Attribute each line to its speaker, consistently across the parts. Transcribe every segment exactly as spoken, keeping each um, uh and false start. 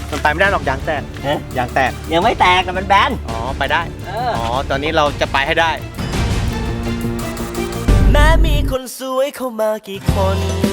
Speaker 1: มันไปไม่ได้หรอกยางแตกยางแตก
Speaker 2: ยังไม่แตกแต่มันแบน
Speaker 1: อ๋อไปได้อ๋อตอนนี้เราจะไปให้ได้
Speaker 2: แม้มีคนสวยเข้ามากี่คน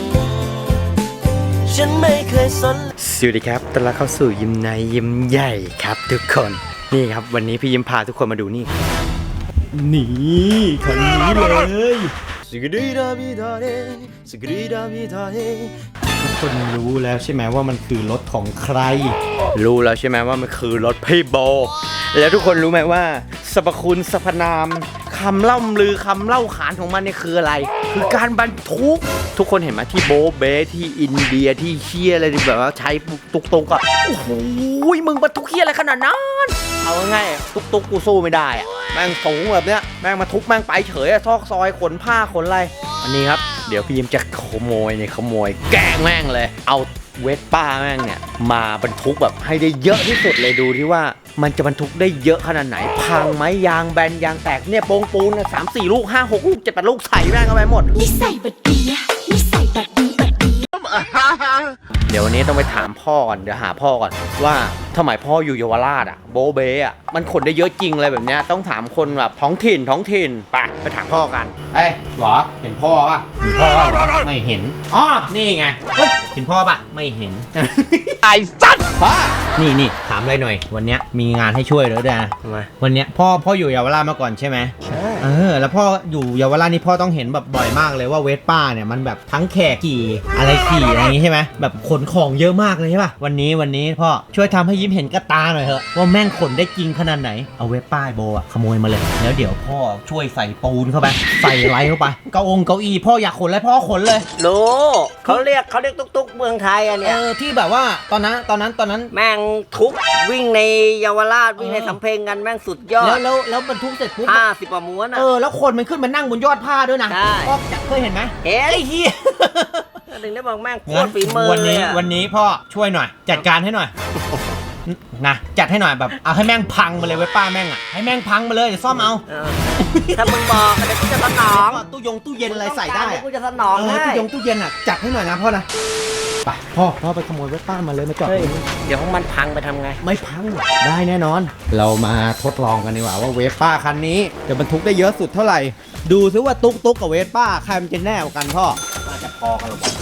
Speaker 2: ฉันไม่เคยสน
Speaker 1: สวัสดีครับต้อนรับเข้าสู่ยิ้มในยิ้มใหญ่ครับทุกคนนี่ครับวันนี้พี่ยิ้มพาทุกคนมาดูนี่นี่คันนี้เลยสกรีดาบิดาเดสกรีดาบิดาเดทุกคนรู้แล้วใช่ไหมว่ามันคือรถของใครรู้แล้วใช่ไหมว่ามันคือรถพี่โบแล้วทุกคนรู้ไหมว่าสรรพคุณสรรพนามคำเล่าลือคำเล่าขานของมันเนี่ยคืออะไรคือการบรรทุกทุกคนเห็นไหมที่โบเบที่อินเดียที่เชียอะไรแบบว่าใช้ตุกตุกอะโอ้โหมึงบรรทุกเชียอะไรขนาดนั้นเอาง่ายตุกตุกกูสู้ไม่ได้อะแม่งสูงแบบเนี้ยแม่งมาทุกแม่งไปเฉยอะซอกซอยขนผ้าขนอะไรอันนี้ครับเดี๋ยวพี่ยิ้มจะขโมยเนี่ยขโมยแกงแม่งเลยเอาเวสป้าแม่งเนี่ยมาบรรทุกแบบให้ได้เยอะที่สุดเลยดูที่ว่ามันจะบรรทุกได้เยอะขนาดไหนพังไหมยางแบนยางแตกเนี่ยโปงปูนสามสี่ลูกห้าหกลูกเจ็ดแปดลูกใส่แม่งเข้าไปหมด
Speaker 3: นิสัยบัดดีนิสัยบัดดีบัดดี
Speaker 1: เดี๋ยววันนี้ต้องไปถามพ่อก่อนเดี๋ยวหาพ่อก่อนว่าทำไมพ่ออยู่เยาวราชอ่ะโบเบอ่ะมันขนได้เยอะจริงอะไรแบบเนี้ยต้องถามคนแบบท้องถิ่นท้องถิ่นไปไปถามพ่อกันเอ้ยหรอเห็นพ่อป่ะเห็นพ่อไม่เห็นอ๋อนี่ไงเห็นพ่อป่ะไม่เห็นไอ้สัตว์พ่อนี่นี่ถามอะไรหน่อยวันนี้มีงานให้ช่วยแล้วด้วยนะวันนี้พ่อพ่ออยู่เยาวราชมาก่อนใช่ไหมใช่เออแล้วพ่ออยู่เยาวราชนี่พ่อต้องเห็นแบบบ่อยมากเลยว่าเวสป้าเนี่ยมันแบบทั้งแขกขี่อะไรขี่อะไรอย่างงี้ใช่ไหมแบบขนของเยอะมากเลยใช่ป่ะวันนี้วันนี้พ่อช่วยทำให้ยิ้มเห็นกระตาหน่อยเถอะว่าแม่งขนได้จริงขนาดไหนเอาเวสป้าโบอะขโมยมาเลยแล้วเดี๋ยวพ่อช่วยใส่ปูนเข้าไปใส่ไรเข้าไปเก้าองเก้าอี้พ่ออยากขนอะไรพ่อขนเลย
Speaker 2: รู้เขาเรียกเขาเรียกตุ๊กตุ๊กเมืองไทยอ่ะเนี่ย
Speaker 1: เออที่แบบว่าตอนนั้นตอนนั้นตอนนั้น
Speaker 2: แม่งทุกวิ่งในเยาวราชวิ่งในสำเพ็งกันแม่งสุดยอด
Speaker 1: แล้วแล้วแล้วบรรทุกเสร็จปุ๊บ
Speaker 2: ห้าสิบกว่าม้วนอ่ะ
Speaker 1: เออแล้วคนมันขึ้นมานั่งบนยอดผ้าด้วยนะ
Speaker 2: ใช่
Speaker 1: ก็เคยเห็นไหม
Speaker 2: เฮ้ยเฮียถึงได้บอกแม่งโคตรฝีมือ
Speaker 1: วันนี้วันนี้พ่อช่วยหน่อยจัดการให้หน่อยนะจัดให้หน่อยแบบเอาให้แม่งพังมาเลยไว้ป้าแม่งอ่ะให้แม่งพังมาเลยเดี๋ยวซ่อมเอา
Speaker 2: ถ้ามึงบอกเดี๋ยวกูจะสนอง
Speaker 1: ตู้ยงตู้เย็นอะไรใส่ได้
Speaker 2: กูจะสนองให้
Speaker 1: ตู้ยงตู้เย็นอ่ะจัดให้หน่อยนะพ่อนะไปพ่อพ่อไปขโมยไว้ป้ามาเลยมาจอด
Speaker 2: เดี๋ยวมันพังไปทำไง
Speaker 1: ไม่พังได้แน่นอนเรามาทดลองกันดีกว่าว่าเวสป้าคันนี้จะบรรทุกได้เยอะสุดเท่าไหร่ดูซิว่าตุ๊กตุ๊กกับเวสป้าใครมันจะแน่กว่ากันพ่อ
Speaker 2: น่าจะพอกันหรอก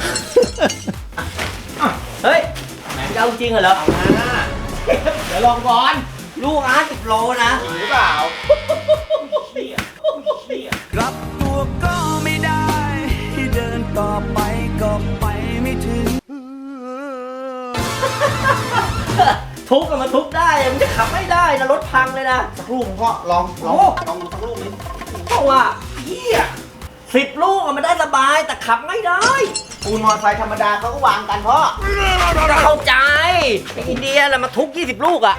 Speaker 2: เฮ้ยจะเอาจริงเหรอเอามา
Speaker 1: เดี๋ยวลองก่อน
Speaker 2: ลูกอาร์ตสิบโลนะ
Speaker 1: หรือเปล่า
Speaker 2: รับตัวก็ไม่ได้ที่เดินต่อไปก็ไปไม่ถึงทุกข์มันทุกข์ได้มันจะขับไม่ได้นะรถพังเลยนะ
Speaker 1: สักลูกพ่อลองลองลองดูสักลูกนึง
Speaker 2: เพราะว่าเหี้ยสิบลูกมันได้สบายแต่ขับไม่ได้
Speaker 1: ปูนมอเตอร์ไซค์ธรรมดาเขาก็วางกันพ่อ
Speaker 2: จะเข้าใจไอ้อินเดียแหละมาทุกยี่สิบลูกอ่ะ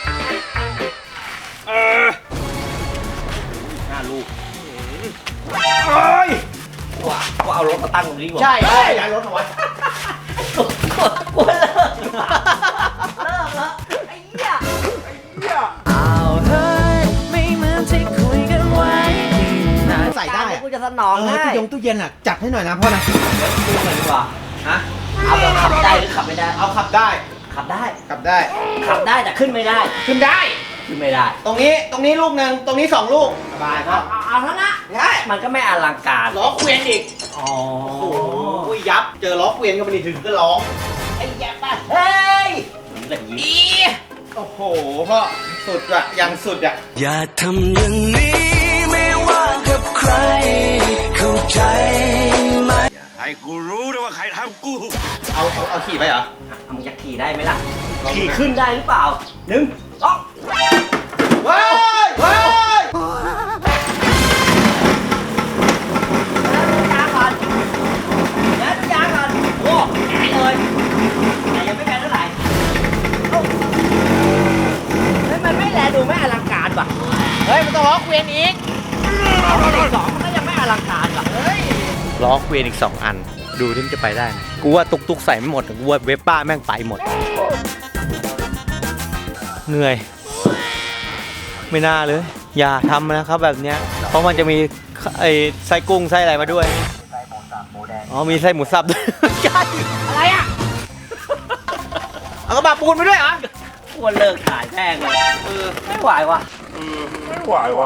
Speaker 2: เออห้าลูกเฮ้ยว่าก็เอารถมาตั้งตรงนี้
Speaker 1: ใช่ใช่ย้ายรถเอาไว้
Speaker 2: กูเลิกเลิกแล้วไอ้เหี้ยไอ้เหี้ยเอาเฮ้ยไม่เหมือนที่คุยกันไว้
Speaker 1: ใส่ได้
Speaker 2: กูจะสนองให้
Speaker 1: ตู้ยงตู้เย็นอ่ะจัดให้หน่อยนะพ่อนะ
Speaker 2: ดูหน่อยดีกว่าฮะเอาแบบขับได้หรือขับไม่ได้
Speaker 1: เอาขับได้
Speaker 2: ขับได้
Speaker 1: ขับได้
Speaker 2: ขับได้แต่ขึ้นไม่ได้
Speaker 1: ขึ้นได้
Speaker 2: ขึ้นไม่ได้
Speaker 1: ตรงนี้ตรงนี้ลูกหนึ่งตรงนี้สองลูกสบายครับ
Speaker 2: เอาเอาเท่านั้นใช่มันก็ไม่อลังการ
Speaker 1: ล้อเกวียนอีก
Speaker 2: อ๋อ
Speaker 1: โอ้โหยับเจอล้อเกวียนก็ไม่ได้ถึงก็ร้อง
Speaker 2: ไอ้แย่ป่ะเฮ้ย
Speaker 1: อีโอ้โหพ่อสุดอะยังสุดอะ
Speaker 4: อย่าทำอย่างนี้ไม่ว่ากับใครเข้าใจไหมอย่าให้กูรู้ด้วยว่าใครทำกู
Speaker 1: เอาเอาเอาขี่ไปเหรอ
Speaker 2: มึงจะขี่ได้ไหมล่ะขี่ขึ้นได้หรือเปล่าหนึ่งสอง
Speaker 1: ว้ายว้าย
Speaker 2: ยางก่อนแล้วยางก่อนโอ้แข็งเลยแต่ยังไม่แข็งเท่าไหร่แล้วมันไม่แลดูไม่อลังการว่ะ
Speaker 1: เฮ้ยมันต้องล้อเกวียนอีก
Speaker 2: สองมันก็ยังไม่อลังการว่ะเฮ้ย
Speaker 1: ล้อเกวียนอีกสองอันดูที่มันจะไปได้ไหมกูว่าตุกตุกใส่ไม่หมดกูว่าเวสป้าแม่งไปหมดเหนื่อยไม่น่าเลยอย่าทำนะครับแบบเนี้ยเพราะมันจะมีไอ้ไส้กุ้งไส้อะไรมาด้วยอ๋อมีไส้หมูสับด้วย
Speaker 2: อะไรอ่ะ
Speaker 1: เอากระบะปูนไปด้วยเหรอ
Speaker 2: ควรเลิกถ่ายแม่งเลยเออไม่ไหวว่ะ
Speaker 4: ไม่ไหวว่ะ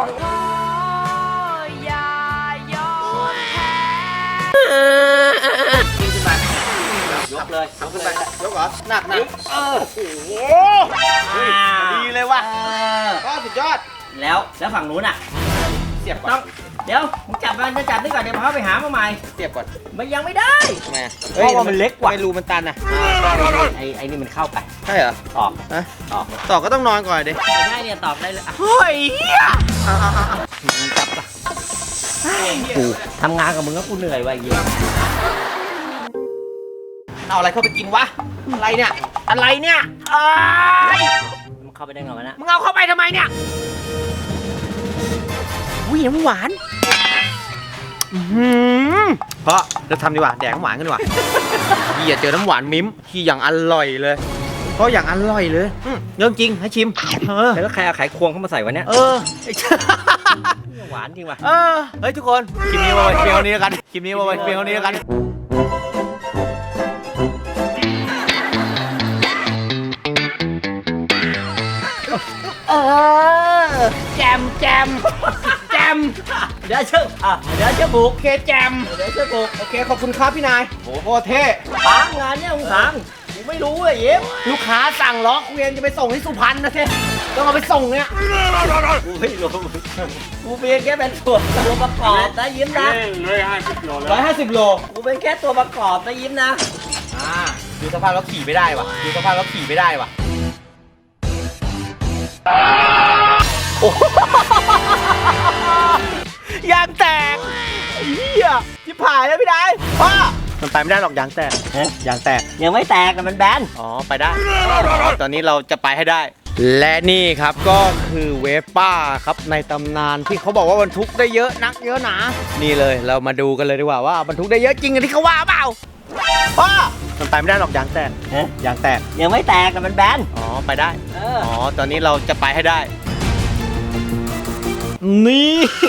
Speaker 2: ขึ้นมายกเลยยกขึ้นไป
Speaker 1: ยกเหรอหนักหนัก
Speaker 2: เออ
Speaker 1: โอ้โหดีเลยว่ะก็สุดยอด
Speaker 2: แล้วแล้วฝั่งนู้นอ่ะ
Speaker 1: เสียบก่
Speaker 2: ต้
Speaker 1: อ
Speaker 2: อน งเดี๋ยวมึงจับมันจะจับนี่ก่อนเดี๋ยวพาไปหามาใหม่
Speaker 1: เสียบก่อน
Speaker 2: มันยังไม่ได้
Speaker 1: ทำไมอะ
Speaker 2: เพราะว่ามันเล็กกว่า
Speaker 1: ไม่รูมันตันอ่ะ
Speaker 2: ไอ้ไอ้นี่มันเข้าไป
Speaker 1: ใช่เหรอ
Speaker 2: ตอก
Speaker 1: ฮะ
Speaker 2: ตอก
Speaker 1: ต่อก็ต้องนอนก่อนดิ
Speaker 2: ไม่ใช่เนี่ยตอกได้เลยอ่ะ
Speaker 1: เฮ้ยเอาเอาเอาเอา
Speaker 2: จับปะกูทำงานกับมึงก็กูเหนื่อยว่ะไอ้เหี้ย
Speaker 1: เอาอะไรเข้าไปกินวะ อะไรเนี่ย อะไรเนี่ยเอ้ย
Speaker 2: มันเข้าไปได้ไงวะนะ
Speaker 1: มึงเอาเข้าไปทำไมเนี่ยอุ้ยน้ำหวานอื้อหือเพราะเราทำดีกว่าแดกน้ำหวานกันดีกว่าพี่อย่าเจอน้ำหวานมิ้มที่อย่างอร่อยเลย เพราะอย่างอร่อยเลยอืมเรื่องจริงให้ชิม เออ
Speaker 2: แล้วใครเอาไขควงเข้ามาใส่วะเนี่ย
Speaker 1: เออ
Speaker 2: หวานจริงว่ะ
Speaker 1: เออ เฮ้ยทุกคน คลิปนี้มาไว้เพียงเท่านี้แล้วกัน คลิปนี้มาไว้เพียงเท่านี้แล้วกัน
Speaker 2: เออแจมแจมแจมเดี๋ยวเชื่ออ่ะเดี๋ยวเชื่อบุก
Speaker 1: โอเคแจม
Speaker 2: เดี๋ยวเชื่อบุก
Speaker 1: โอเคขอบคุณครับพี่นายโอ้โหเท่
Speaker 2: พังงานเนี่ยมึงพังกูไม่รู้เลยเย็บ
Speaker 1: ลูกค้าสั่งล้อเกวียนจะไปส่งที่สุพรรณนะเท่ต้องเอาไปส่งเนี่ย
Speaker 2: กูไม่รู้กูเพียงแค่เป็นตัวตัวประกอบนะยิ้มนะ
Speaker 1: ร้อยห้าสิบโล
Speaker 2: กูเป็นแค่ตัวประกอบนะยิ้มนะ
Speaker 1: อ่าดูสภาพแล้วขี่ไม่ได้ว่ะดูสภาพแล้วขี่ไม่ได้ว่ะโอ้โหยางแตกเฮียชิบหายแล้วพี่นายพ่อมันไปไม่ได้หรอกยางแตก
Speaker 2: ฮะ
Speaker 1: ยางแตก
Speaker 2: ยังไม่แตกแต่มันแบน
Speaker 1: อ๋อ ไปได้ ตอนนี้เราจะไปให้ได้ และนี่ครับก็คือเวฟป้าครับในตำนานที่เขาบอกว่าบรรทุกได้เยอะนักเยอะหนา นี่เลยเรามาดูกันเลยดีกว่าว่าบรรทุกได้เยอะจริงอย่างที่เขาว่าเปล่าพ่อมันไปไม่ได้หรอกยางแตก
Speaker 2: ฮะ
Speaker 1: ยางแตก
Speaker 2: ยังไม่แตกแต่มันแบน
Speaker 1: อ๋อ ไปได้
Speaker 2: เออ
Speaker 1: อ๋อ ตอนนี้เราจะไปให้ได้ นี่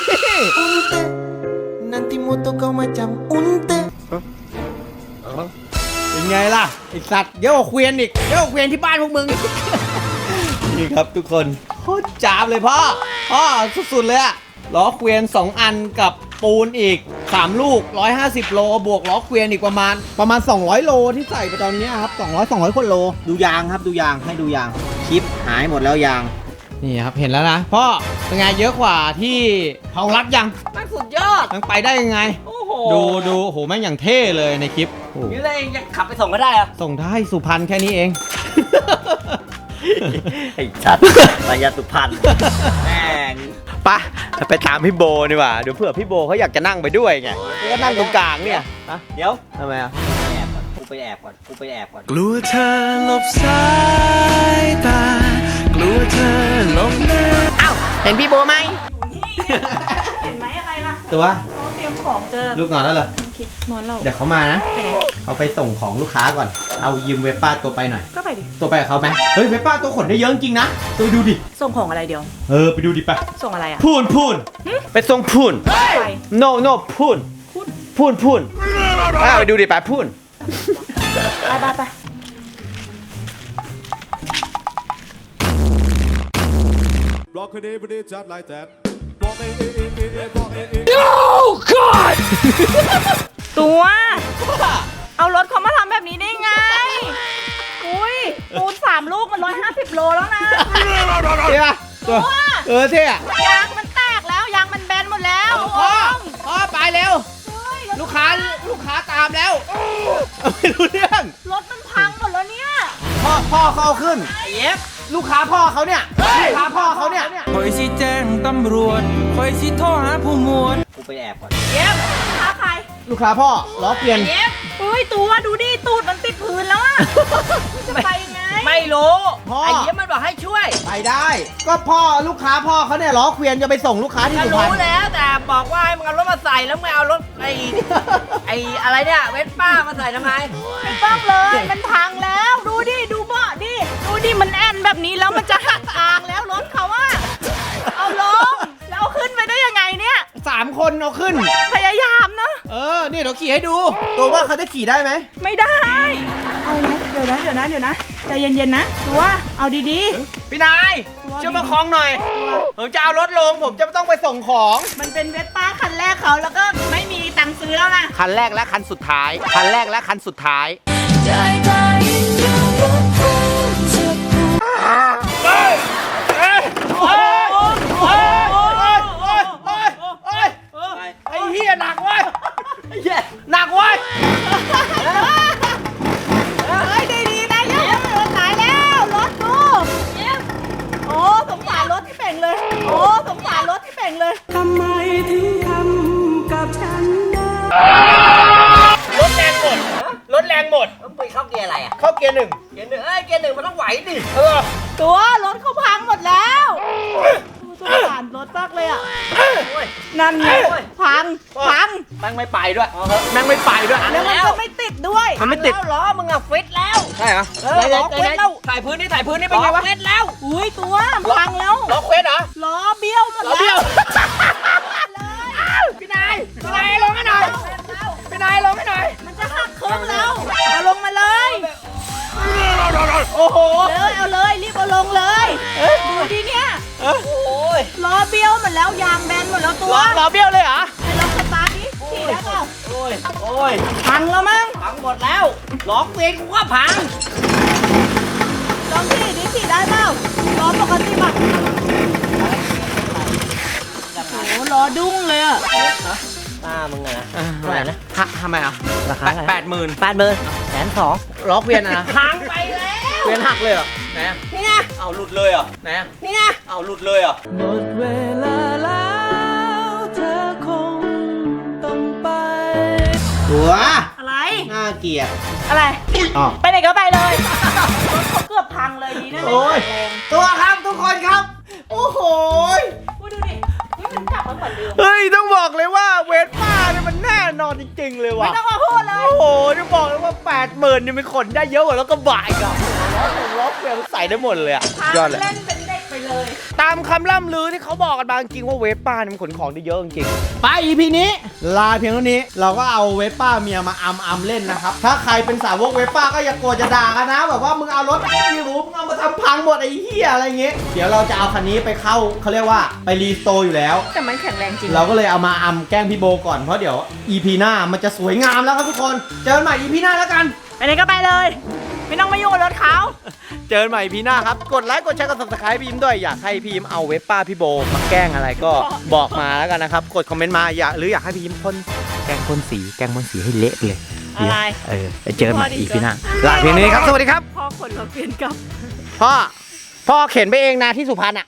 Speaker 5: Nanti moto kau macam unta.
Speaker 1: เป็นไงล่ะไอสัตว์เยอะกว่าเกวียนอีกเยอะกว่าเกวียนที่บ้านพวกมึง นี่ครับทุกคนโคตรจ้าบเลยพ่อพ่อสุดๆเลยอะล้อเกวียนสองอันกับปูนอีกสามลูกหนึ่งร้อยห้าสิบโลบวกล้อเกวียนอีกประมาณประมาณสองร้อยโลที่ใส่ไปตอนนี้ครับสองร้อย สองร้อยคนโลดูยางครับดูยางให้ดูยางคลิปหายหมดแล้วยางนี่ครับเห็นแล้วนะพ่อเป็นไงเยอะกว่าที่เผารักยัง
Speaker 2: มันสุดยอด
Speaker 1: มันไปได้ยังไง
Speaker 2: โอ้โห
Speaker 1: ดูดูโอ้โหแม่งอย่างเท่เลยในคลิปโอ้โห
Speaker 2: นี่เลยเองจะขับไปส่งก็ได้เหรอ
Speaker 1: ส่งได้สุพรรณแค่นี้เอง
Speaker 2: ไอ้ชัดมายาสุพรรณแม่ง
Speaker 1: ปะไปตามพี่โบดีกว่าเดี๋ยวเผื่อพี่โบเขาอยากจะนั่งไปด้วยไงก็นั่งตรงกลางเนี่ยฮะ
Speaker 2: เดี๋ยว
Speaker 1: ทำไมอ่ะ
Speaker 2: แอบก่อนกูไปแอบก่อนกูไปแอบก่อน
Speaker 5: กลัวเธอหลบสายตา กลัวเธอหลบหน้า
Speaker 1: เอ้าเห็นพี่โบไหม
Speaker 6: เห็นไหมอะไรล่ะ
Speaker 1: ตัว
Speaker 6: เขาเตรียมของเจอ
Speaker 1: ลูกนอนแล้วเหรอ
Speaker 6: คิดนอนเรา
Speaker 1: เดี๋ยวเขามานะเขาไปส่งของลูกค้าก่อนเอายืมเวป้าตัวไปหน่อย
Speaker 6: ก็ไปดิ
Speaker 1: ตัวไปกับเขาไหมเฮ้ยเวป้าตัวขนได้เยอะจริงนะตัวไปดูดิ
Speaker 6: ส่งของอะไรเดียว
Speaker 1: เออไปดูดิไป
Speaker 6: ส่งอะไรอ่ะ
Speaker 1: พูนพูนไปส่งพูน
Speaker 6: ไป
Speaker 1: no no พูนพูนพูนอ่ะไปดูดิไปพูน
Speaker 6: ไปไปไป
Speaker 7: Rock it, it, it, just like that. Rock it, it, it, it, it, rock it, it.
Speaker 6: ตัว เอารถเขามาทำแบบนี้ได้ไง อุ้ยปูนสามลูกมันร้อยห้าสิบโลแล้วนะ
Speaker 1: เท่ปะตัวเออเท่อะ
Speaker 6: ยางมันแตกแล้ว ยางมันแบนหมดแล้ว
Speaker 1: พ่อ
Speaker 6: โอ้ย
Speaker 1: พ่อไปเร็ว
Speaker 6: เฮ้ย
Speaker 1: ลูกค้าลูกค้าตามแล้วไม่รู้เรื่อง
Speaker 6: รถมันพังหมดแล้วเนี่ย
Speaker 1: พ่อพ่อเขาเอาขึ้น
Speaker 2: ไอ้เย็บ
Speaker 1: ลูกค้าพ่อเขาเนี่ยลูกค้าพ่อเขาเนี่ย
Speaker 5: คอยสิแจ้งตำรวจคอยสิโทรหาผู้หมวด
Speaker 2: กูไปแอบก่อน
Speaker 6: เย็บท้าใคร
Speaker 1: ลูกค้าพ่อล้อเปลี่ยน
Speaker 6: เย็บเฮ้ยตัวดูดิตูดมันติดพื้นแล้วอะจะไปยังไง
Speaker 2: ไม่รู้
Speaker 1: พ่อ
Speaker 2: ไอ้เย็บมันบอกให้ช่วย
Speaker 1: ไปได้ ก็พ่อลูกค้าพ่อเขาเนี่ยล้อเกวียนจะไปส่งลูกค้าที่
Speaker 2: ก็
Speaker 1: สุพรร
Speaker 2: รู้
Speaker 1: ณ
Speaker 2: แล้วแต่บอกว่าให้มึงเอารถมาใส่แล้วมึงเอารถไอ้ไอ้อะไรเนี่ยเวสป้ามาใส่ทำไม
Speaker 6: ไม่ต้องเลย มันพังแล้ว ดูดิ ดูเบาะดิ ดูดิ มันแอนแบบนี้แล้วมันจะหักทางแล้วรถเขาอะเอาลง แล้วเอาขึ้นไปได้ยังไงเนี่ย
Speaker 1: สามคนเอาขึ้น
Speaker 6: พยายามนะ
Speaker 1: เออ นี่เดี๋ยวขี่ให้ดู ตัวว่าเขาจะขี่ได้ไหม
Speaker 6: ไม่ได้ เอานะเดี๋ยวนะ เดี๋ยวนะ เดี๋ยวนะใจเย็นๆนะตัวเอาดี
Speaker 1: พี่นายช่วยประคองหน่อย ผมจะเอารถลง ผมจะต้องไปส่งของ
Speaker 6: ๆมันเป็นเวสป้าคันแรกเขาแล้วก็ไม่มีตังค์ซื้อแล้วนะ
Speaker 1: คันแรกและคันสุดท้าย คันแรกและคันสุดท้าย
Speaker 3: ได้ใจอยู่บนภูจะผูก
Speaker 1: โอ้ยโอ้ยโอ้ยโอ้ยโอ้ยโอ้ยโอ้ยโอ้ยไอ้เหี้ยหนักเว้ยไอ้เหี้ยหนักเว้ย
Speaker 6: เฮ้ยดีๆนะเยังรถตายแล้วรถดูโอ้สงสารรถที่เป่งเลย โอ้สงสารรถที่เป่งเลย
Speaker 1: รถแรงหมด รถแรงหมด
Speaker 2: ต้องไปเข้าเกียร์อะไรอ่ะ
Speaker 1: เข้าเกียร์หนึ่ง
Speaker 2: เกียร์หนึ่งเอ้ยเกียร์หนึ่งมันต้องไหวดิ
Speaker 1: เออ
Speaker 6: ตัวรถเขาพังหมดแล้วสงสารรถมากเลยอ่ะนั่นไงพังพัง
Speaker 1: แม่งไม่ไปด้วยแม่งไม่ไปด้วย
Speaker 6: แล้วมันก็ไม่ติดด้วย
Speaker 1: มันไม่ติด
Speaker 2: แล้วล้อมึงอะฟิตแล้ว
Speaker 1: ใช่เหรอ
Speaker 2: เออล้อฟิตแล้วถ่ายพื้นนี่ถ่ายพื้นนี่เป็นไงวะฟิตแล้ว
Speaker 6: อุ้ยตัวพังแล้ว
Speaker 1: ล็อกเควสเหรอ
Speaker 6: ล้อเบี้ยวหมด
Speaker 1: ล้อเบี้
Speaker 6: แล้
Speaker 1: ยว
Speaker 6: ว
Speaker 1: พี่นาย พี่นายลงให้หน่อย พี่นายลงให้หน่อย
Speaker 6: มันจะหักครึ่งแล้วเอาลงมาเลย
Speaker 1: โอ้โห
Speaker 6: เลยเอาเลยรีบเอาลงเลยดูดิเนี่ย
Speaker 2: โอ้ย
Speaker 6: ล้อเบี้ยวหมดแล้วยางแบนหมดแล้วตัว
Speaker 1: ล้อล้อเบี้ยวเลยเหรอ
Speaker 6: ไอ้ลองสตาร์ทดิขี่ได้เปล่า
Speaker 2: โอ้ยโอ้ย
Speaker 6: พังแล้วมั้ง
Speaker 2: พังหมดแล้วล้อฟิตกูก็พัง
Speaker 6: ลองขี่ดิขี่ได้เปล่าล้อปกติป่ะโอ้โหล้อดุ้งเลยอะ
Speaker 2: ตามึงอะนะเท่าไหร่นะ
Speaker 1: ทำไมอ่ะ
Speaker 2: ราคา
Speaker 1: แปดหมื่น
Speaker 2: แปดหมื่นแสนสอง
Speaker 1: ล้อเกวียนอะนะ
Speaker 2: พังไปแล้ว
Speaker 1: เกวียนหักเลยเหรอไหนอะ
Speaker 2: นี่ไง
Speaker 1: เอาหลุดเลยเหรอไหนอะ
Speaker 2: นี่ไง
Speaker 1: เอาหลุดเลยเหรอ
Speaker 5: หมดเวลาแล้วเธอคงต้องไป
Speaker 1: หัว
Speaker 6: อะไร
Speaker 1: น่าเกลียด
Speaker 6: อะไร
Speaker 1: อ๋อ
Speaker 6: ไปไหนก็ไปเลยรถเขาเกือบพังเลยดีนะ
Speaker 1: โอ้ย
Speaker 6: แรง
Speaker 1: ตัวครับทุกคนครับ โอ้โห
Speaker 6: พูดดูดินี่มันกลับมาเหมือนเดิม
Speaker 1: เฮ้ย ต้องบอกเลยว่าเวทป้าเนี่ยมันแน่นอนจริงๆเลย
Speaker 6: ไม่
Speaker 1: ว่ะ
Speaker 6: ต้องมาพูดเลย
Speaker 1: โอ้โหจะบอกเลยว่าแปดหมื่นนี่มันขนได้เยอะกว่าแล้วก็บ่ายกับล้อหนึ่งล้อเกวียนใส่ได้หมดเลยอะ
Speaker 6: พัง
Speaker 1: ยอดเลย
Speaker 6: เล่นเป็นเด็กไปเลย
Speaker 1: ตามคำล่ำลือที่เขาบอกกันมาจริงๆว่าเวสป้าเนี่ยมันขนของได้เยอะจริงๆไป อี พี นี้ ลาเพียงเท่านี้ เราก็เอาเวสป้าเมียมาอัมอัมเล่นนะครับ ถ้าใครเป็นสาวกเวสป้าก็อย่าโกรธจะด่ากันนะ แบบว่ามึงเอารถไม่รู้มึงเอามาทำพังหมดไอ้เหี้ยอะไรเงี้ย เดี๋ยวเราจะเอาคันนี้ไปเข้าเขาเรียกว่าไปรีสโตร์อยู่แล้ว
Speaker 6: แต่มันแข็งแรงจริง
Speaker 1: เราก็เลยเอามาอัมแกล้งพี่โบก่อนเพราะเดี๋ยว อี พี หน้ามันจะสวยงามแล้วครับทุกคน เจอกันใหม่ อี พี หน้าแล้วกัน
Speaker 6: ไปไหนก็ไปเลย ไม่ต้องมายุ่งกับรถเขา
Speaker 1: เจอกันใหม่พีหน้าครับ กดไลค์ กดแชร์ กด ซับสไครบ์ พี่ยิ้มด้วย อยากให้พี่ยิ้มเอาเว็บป้าพี่โบมาแกล้งอะไรก็บอกมาแล้วกันนะครับ กดคอมเมนต์มาอยากหรืออยากให้พี่ยิ้มพ่นแกล้งพ่นสี แกล้งพ่นสีให้เละไปเลย
Speaker 6: อะไร
Speaker 1: เออไปเจอกันใหม่อีพีหน้า ลาเพียงนี้ครับ สวัสดีครับ
Speaker 6: พ่อขนเราเปลี่ยนกับ
Speaker 1: พ่อ พ่อเข็นไปเองนะที่สุพรรณอ่ะ